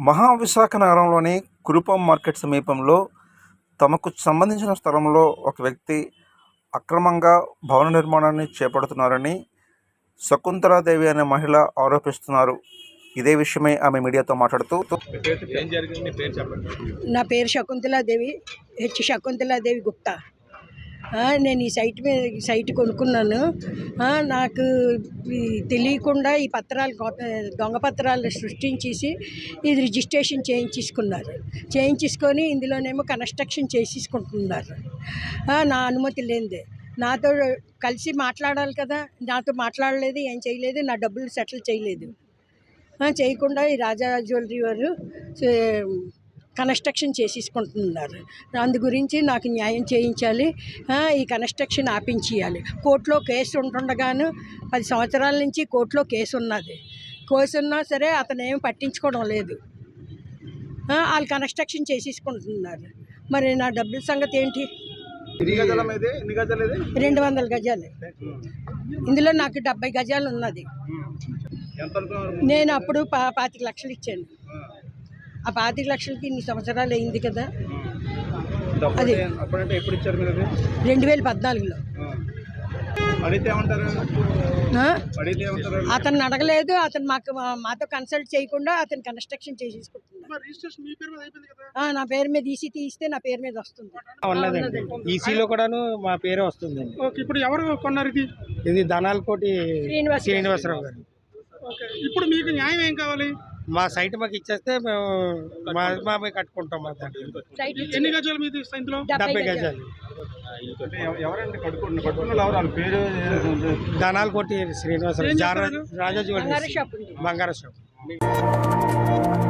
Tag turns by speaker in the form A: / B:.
A: మహావిశాఖ నగరంలోని కురుపాం మార్కెట్ సమీపంలో తమకు సంబంధించిన స్థలంలో ఒక వ్యక్తి అక్రమంగా భవన నిర్మాణాన్ని చేపడుతున్నారని శకుంతలాదేవి అనే మహిళ ఆరోపిస్తున్నారు. ఇదే విషయమై ఆమె మీడియాతో మాట్లాడుతూ,
B: నా పేరు శకుంతలాదేవి, శకుంతలాదేవి గుప్తా. నేను ఈ సైట్ కొనుక్కున్నాను. నాకు తెలియకుండా ఈ పత్రాలు దొంగ పత్రాలు సృష్టించేసి ఇది రిజిస్ట్రేషన్ చేయించుకొని ఇందులోనేమో కన్స్ట్రక్షన్ చేసేసుకుంటున్నారు. నా అనుమతి లేనిదే. నాతో కలిసి మాట్లాడాలి కదా, నాతో మాట్లాడలేదు, ఏం చేయలేదు, నా డబ్బులు సెటిల్ చేయలేదు. చేయకుండా ఈ రాజా జ్యువెలరీ వారు కన్స్ట్రక్షన్ చేసేసుకుంటున్నారు. అందు గురించి నాకు న్యాయం చేయించాలి, ఈ కన్స్ట్రక్షన్ ఆపించేయాలి. కోర్టులో కేసు ఉంటుండగాను 10 సంవత్సరాల నుంచి కోర్టులో కేసు ఉన్నా సరే అతను ఏమి పట్టించుకోవడం లేదు. వాళ్ళు కన్స్ట్రక్షన్ చేసేసుకుంటున్నారు. మరి నా డబ్బుల సంగతి ఏంటి? 200 గజాలు. ఇందులో నాకు 70 గజాలు ఉన్నది. నేను అప్పుడు 25 లక్షలు ఇచ్చాను. ఆ 25 లక్షలకి ఇన్ని సంవత్సరాలు అయింది కదా. అది 2014లో. అతను అడగలేదు, అతను మాతో కన్సల్ట్ చేయకుండా అతను కన్స్ట్రక్షన్ చేసేసుకుంటున్నాడు. నా పేరు మీద ఈసీ తీస్తే నా పేరు మీద వస్తుంది.
C: ఈసీలో కూడాను మా పేరే వస్తుందండి.
D: ఇప్పుడు ఎవరు కొన్నారు
C: ఇది ధనాలకోటి శ్రీనివాసరావు గారు.
D: ఇప్పుడు మీకు న్యాయం ఏం కావాలి?
C: మా సైట్ మాకు ఇచ్చేస్తే మేము మా కట్టుకుంటాం. మా
D: ఎన్ని గజాలు మీది?
C: 70 గజాలు. ధనాలకోటి శ్రీనివాసరావు, రాజా జ్యువెలరీ, బంగారు షాప్.